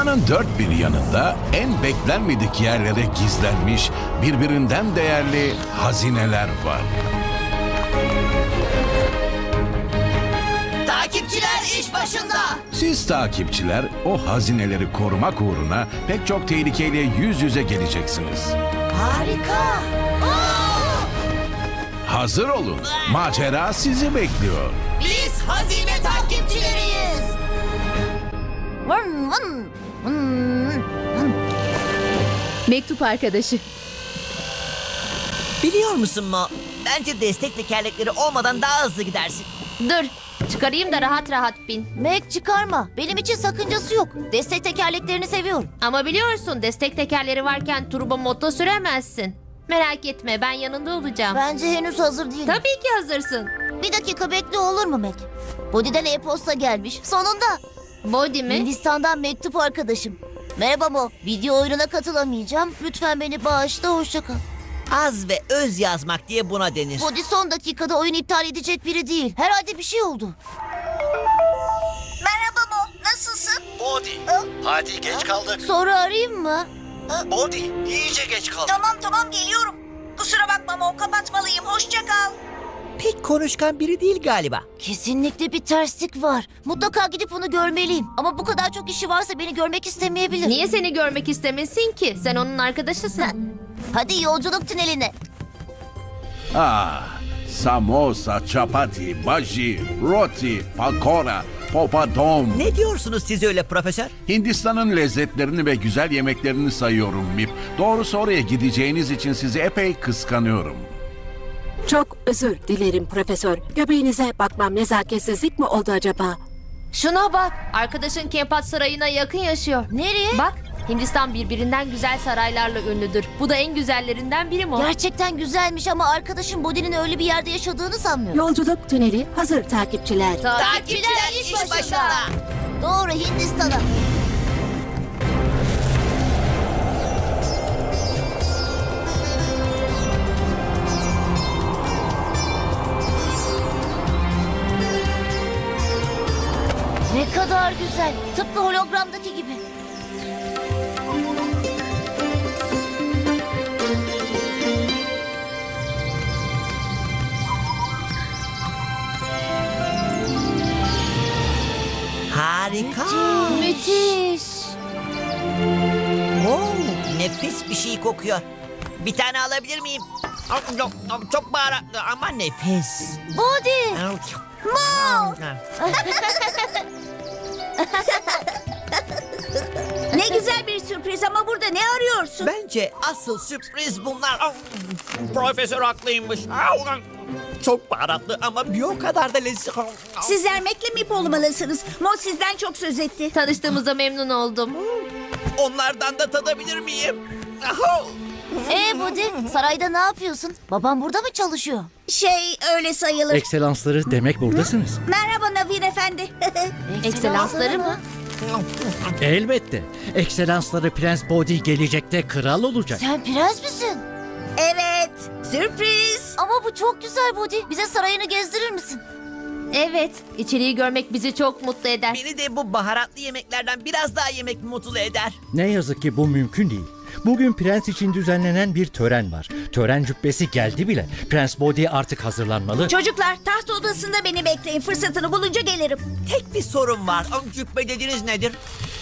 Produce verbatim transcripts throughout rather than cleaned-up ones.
Dünyanın dört bir yanında en beklenmedik yerlere gizlenmiş birbirinden değerli hazineler var. Takipçiler iş başında. Siz takipçiler o hazineleri korumak uğruna pek çok tehlikeyle yüz yüze geleceksiniz. Harika. Hazır olun. Macera sizi bekliyor. Biz hazine takipçileriyiz. Vın vın vın vın. Mektup arkadaşı. Biliyor musun Mo? Bence destek tekerlekleri olmadan daha hızlı gidersin. Dur, çıkarayım da rahat rahat bin. Mac çıkarma. Benim için sakıncası yok. Destek tekerleklerini seviyorum. Ama biliyorsun destek tekerleri varken turbo moto süremezsin. Merak etme, ben yanında olacağım. Bence henüz hazır değilim. Tabii ki hazırsın. Bir dakika bekle olur mu Mac? Body'den e-posta gelmiş. Sonunda. Body mi? Hindistan'dan mektup arkadaşım. Merhaba Mo. Video oyununa katılamayacağım. Lütfen beni bağışla. Hoşça kal. Az ve öz yazmak diye buna denir. Body son dakikada oyun iptal edecek biri değil. Herhalde bir şey oldu. Merhaba Mo. Nasılsın? Body. Hadi geç kaldık. Sonra arayayım mı? Body. iyice geç kaldık. Tamam tamam geliyorum. Kusura bakma Mo, kapatmalıyım. Hoşça kal. Pek konuşkan biri değil galiba. Kesinlikle bir terslik var. Mutlaka gidip onu görmeliyim. Ama bu kadar çok işi varsa beni görmek istemeyebilir. Niye seni görmek istemesin ki? Sen onun arkadaşısın. Hadi yolculuk tüneline. Ah, samosa, chapati, baji, roti, pakora, popadom. Ne diyorsunuz siz öyle profesör? Hindistan'ın lezzetlerini ve güzel yemeklerini sayıyorum Mip. Doğrusu oraya gideceğiniz için sizi epey kıskanıyorum. Çok özür dilerim profesör. Göbeğinize bakmam nezaketsizlik mi oldu acaba? Şuna bak, arkadaşın Kempat Sarayı'na yakın yaşıyor. Nereye? Bak, Hindistan birbirinden güzel saraylarla ünlüdür. Bu da en güzellerinden biri mi? Gerçekten güzelmiş ama arkadaşım Body'nin öyle bir yerde yaşadığını sanmıyorum. Yolculuk tüneli hazır takipçiler. Takipçiler iş başında. Doğru, Hindistan'a. Ne kadar güzel. Tıpkı hologramdaki gibi. Harika. Müthiş. Oo, nefis bir şey kokuyor. Bir tane alabilir miyim? Çok, çok baharatlı ama nefis. Body. Mo! Ne güzel bir sürpriz ama burada ne arıyorsun? Bence asıl sürpriz bunlar. Profesör haklıymış. Çok baharatlı ama bir o kadar da lezzetli. Sizler Mac'le Mip olmalısınız. Mo sizden çok söz etti. Tanıştığımıza memnun oldum. Onlardan da tadabilir miyim? Ee Body, sarayda ne yapıyorsun? Babam burada mı çalışıyor? Şey öyle sayılır. Ekselansları demek buradasınız. Merhaba Navin Efendi. Ekselansları mı? Elbette. Ekselansları Prens Body gelecekte kral olacak. Sen prens misin? Evet, sürpriz. Ama bu çok güzel Body. Bize sarayını gezdirir misin? Evet, içeriği görmek bizi çok mutlu eder. Beni de bu baharatlı yemeklerden biraz daha yemek mutlu eder. Ne yazık ki bu mümkün değil. Bugün prens için düzenlenen bir tören var. Tören cübbesi geldi bile. Prens Body artık hazırlanmalı. Çocuklar taht odasında beni bekleyin. Fırsatını bulunca gelirim. Tek bir sorun var. Cübbe dediğiniz nedir?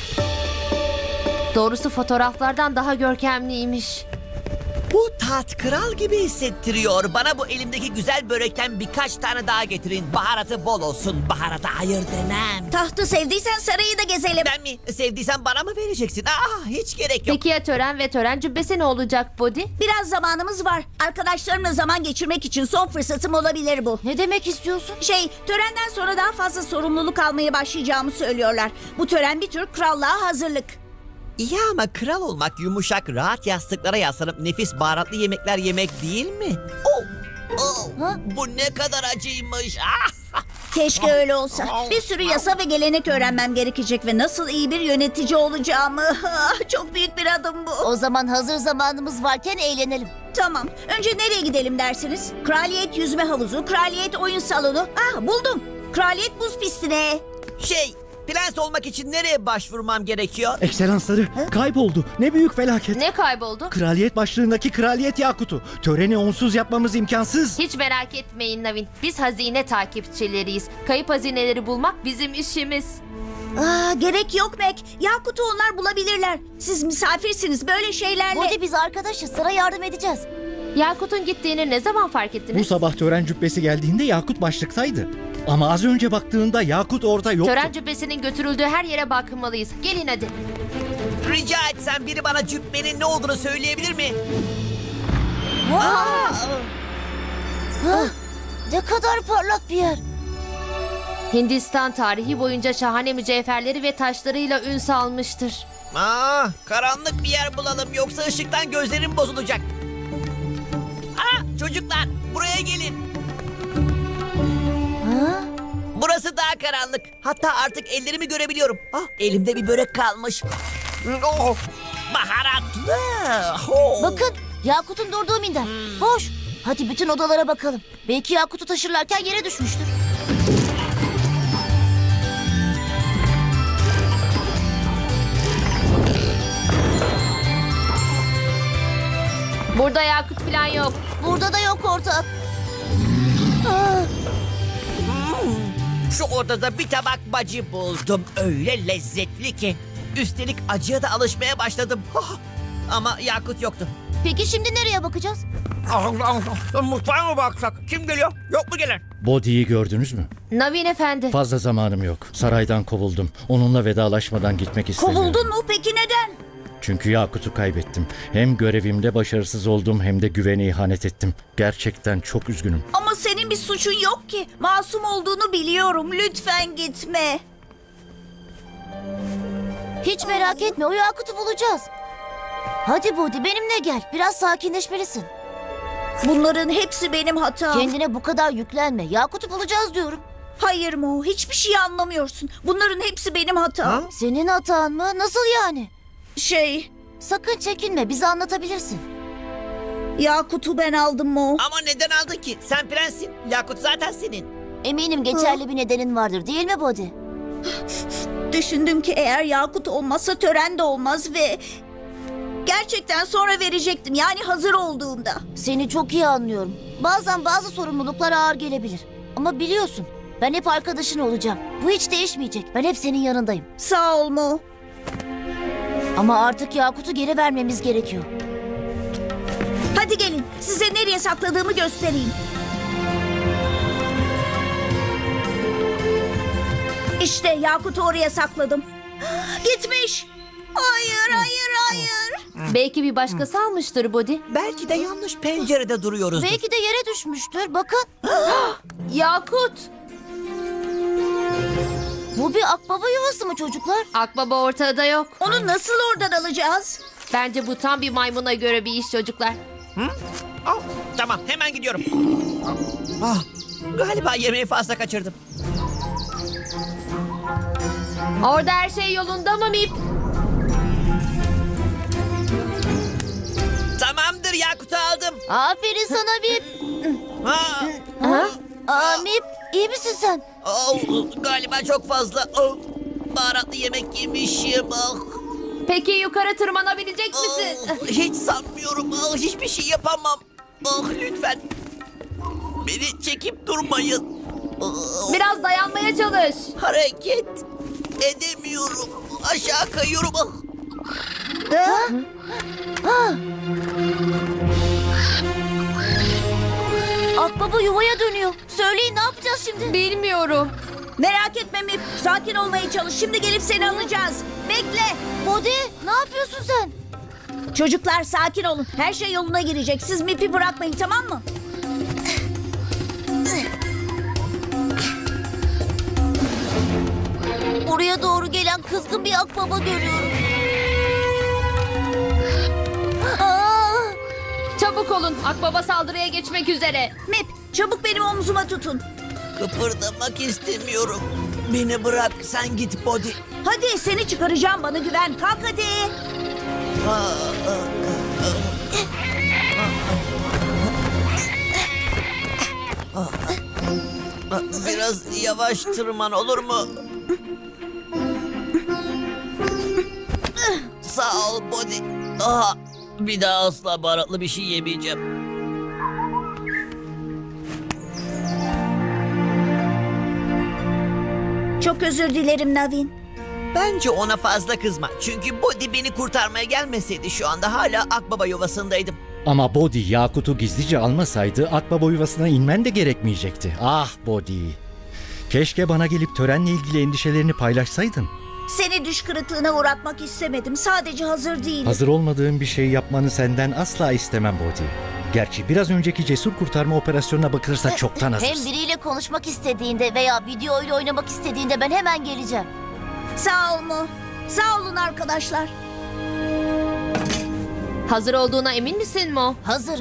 Doğrusu fotoğraflardan daha görkemliymiş. Bu tat kral gibi hissettiriyor. Bana bu elimdeki güzel börekten birkaç tane daha getirin. Baharatı bol olsun. Baharata hayır demem. Tahtı sevdiysen sarayı da gezelim. Ben mi? Sevdiysen bana mı vereceksin? Aa, hiç gerek yok. Peki ya tören ve tören cübbesi ne olacak Body? Biraz zamanımız var. Arkadaşlarımla zaman geçirmek için son fırsatım olabilir bu. Ne demek istiyorsun? Şey, törenden sonra daha fazla sorumluluk almaya başlayacağımı söylüyorlar. Bu tören bir tür krallığa hazırlık. İyi ama kral olmak yumuşak, rahat yastıklara yaslanıp nefis baharatlı yemekler yemek değil mi? Oh, oh, bu ne kadar acıymış. Ah! Keşke öyle olsa. Bir sürü yasa ve gelenek öğrenmem gerekecek ve nasıl iyi bir yönetici olacağımı. Ah, çok büyük bir adım bu. O zaman hazır zamanımız varken eğlenelim. Tamam. Önce nereye gidelim dersiniz? Kraliyet yüzme havuzu, kraliyet oyun salonu. Ah buldum. Kraliyet buz pistine. Şey, Prens olmak için nereye başvurmam gerekiyor? Ekselansları kayboldu. Ne büyük felaket. Ne kayboldu? Kraliyet başlığındaki kraliyet yakutu. Töreni onsuz yapmamız imkansız. Hiç merak etmeyin Navin. Biz hazine takipçileriyiz. Kayıp hazineleri bulmak bizim işimiz. Aa, gerek yok Mac. Yakut'u onlar bulabilirler. Siz misafirsiniz böyle şeylerle. Body biz arkadaşız. Sana yardım edeceğiz. Yakut'un gittiğini ne zaman fark Bu ettiniz? sabah tören cübbesi geldiğinde Yakut başlıktaydı. Ama az önce baktığında Yakut orada yoktu. Tören cübbesinin götürüldüğü her yere bakmalıyız. Gelin hadi. Rica etsem biri bana cübbenin ne olduğunu söyleyebilir mi? Ha, ne kadar parlak bir yer. Hindistan tarihi boyunca şahane mücevherleri ve taşlarıyla ün salmıştır. Aa, karanlık bir yer bulalım yoksa ışıktan gözlerim bozulacak. Aa, çocuklar buraya gelin. Ha? Burası daha karanlık. Hatta artık ellerimi görebiliyorum. Ah, elimde bir börek kalmış. Oh, baharatlı. Oh. Bakın Yakut'un durduğu minder. Boş. Hadi bütün odalara bakalım. Belki Yakut'u taşırlarken yere düşmüştür. Burada yakut falan yok. Burada da yok ortak. Aa, Şu odada bir tabak bacı buldum. Öyle lezzetli ki. Üstelik acıya da alışmaya başladım. Oh, ama Yakut yoktu. peki şimdi nereye bakacağız? Mutfağa mı baksak? Kim geliyor? Yok mu gelen? Body'yi gördünüz mü? Navin efendi. Fazla zamanım yok. Saraydan kovuldum. Onunla vedalaşmadan gitmek istemiyorum. Kovuldun mu peki neden? Çünkü Yakut'u kaybettim. Hem görevimde başarısız oldum hem de güvene ihanet ettim. Gerçekten çok üzgünüm. Ama senin bir suçun yok ki. Masum olduğunu biliyorum. Lütfen gitme. Hiç merak etme, o Yakut'u bulacağız. Hadi Body benimle gel. Biraz sakinleşmelisin. Bunların hepsi benim hatam. Kendine bu kadar yüklenme. Yakut'u bulacağız diyorum. Hayır Mo, hiçbir şey anlamıyorsun. Bunların hepsi benim hatam. Senin hatan mı? Nasıl yani? Şey, Sakın çekinme, bize anlatabilirsin. Yakut'u ben aldım Mo. Ama neden aldın ki? Sen prenssin. Yakut zaten senin. Eminim geçerli bir nedenin vardır değil mi Body? Düşündüm ki eğer Yakut olmazsa tören de olmaz ve... Gerçekten sonra verecektim, yani hazır olduğumda. Seni çok iyi anlıyorum. Bazen bazı sorumluluklar ağır gelebilir. Ama biliyorsun, ben hep arkadaşın olacağım. Bu hiç değişmeyecek. Ben hep senin yanındayım. Sağ ol Mo. Ama artık Yakut'u geri vermemiz gerekiyor. Hadi gelin, size nereye sakladığımı göstereyim. İşte Yakut'u oraya sakladım. Gitmiş. Hayır, hayır, hayır. Belki bir başkası almıştır Body. Belki de yanlış pencerede duruyoruz. Belki de yere düşmüştür. Bakın. Yakut! Bu bir akbaba yuvası mı çocuklar? Akbaba ortada yok. Onu nasıl oradan alacağız? Bence bu tam bir maymuna göre bir iş çocuklar. Ah, tamam hemen gidiyorum. Ah, galiba yemeği fazla kaçırdım. Orada her şey yolunda mı Mip? Tamamdır, Yakut'u aldım. Aferin sana Bip. Ha, Ha? Aa Mip, iyi misin sen? oh, galiba çok fazla oh, baharatlı yemek yemişim. Ah, Peki yukarı tırmanabilecek misin? oh, hiç sanmıyorum. Ah, hiçbir şey yapamam. Ah, lütfen beni çekip durmayın. Ah, Biraz dayanmaya çalış. hareket edemiyorum. Aşağı kayıyorum. Ah. Akbaba yuvaya dönüyor. Söyleyin ne yapacağız şimdi? Bilmiyorum. Merak etme Mip, sakin olmaya çalış. Şimdi gelip seni alacağız. Bekle. Body, ne yapıyorsun sen? Çocuklar sakin olun. Her şey yoluna girecek. Siz Mip'i bırakmayın, tamam mı? Oraya doğru gelen kızgın bir akbaba görüyorum. Aa! Çabuk olun. Akbaba saldırıya geçmek üzere. Mip, çabuk benim omzuma tutun. Kıpırdamak istemiyorum. Beni bırak, sen git Body. Hadi seni çıkaracağım, bana güven. Kalk hadi. Biraz yavaş tırman olur mu? Sağ ol Body. Aha, bir daha asla baharatlı bir şey yemeyeceğim. Çok özür dilerim Navin. Bence ona fazla kızma. Çünkü Body beni kurtarmaya gelmeseydi şu anda hala Akbaba yuvasındaydım. Ama Body Yakut'u gizlice almasaydı Akbaba yuvasına inmen de gerekmeyecekti. Ah Body. Keşke bana gelip törenle ilgili endişelerini paylaşsaydın. Seni düş kırıklığına uğratmak istemedim. Sadece hazır değilim. Hazır olmadığın bir şey yapmanı senden asla istemem Body. Gerçi biraz önceki cesur kurtarma operasyonuna bakılırsa çoktan Hem hazırsın. biriyle konuşmak istediğinde veya video oyunu oynamak istediğinde ben hemen geleceğim. Sağ ol mu? Sağ olun arkadaşlar. Hazır olduğuna emin misin Mo? Hazırım.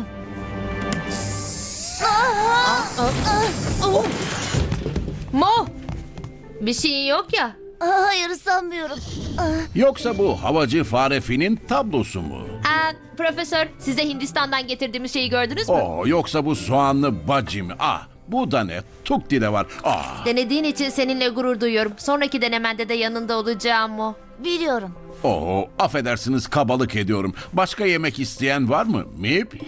Mo! Bir şeyin yok ya. Aa, hayır sanmıyorum. Yoksa bu havacı Farefinin tablosu mu? Aa, profesör, size Hindistan'dan getirdiğimiz şeyi gördünüz mü? Oo, yoksa bu soğanlı bacı mı? Ah, bu da ne? Tukti de var. Ah, Denediğin için seninle gurur duyuyorum. Sonraki denemende de yanında olacağım Mo. Biliyorum. oo, affedersiniz kabalık ediyorum. Başka yemek isteyen var mı? Mip?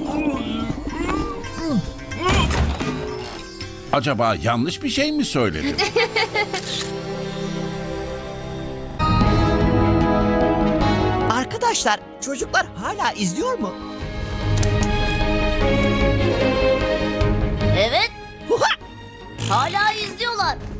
Acaba yanlış bir şey mi söyledim? Arkadaşlar, çocuklar hala izliyor mu? Evet. Huha! Hala izliyorlar.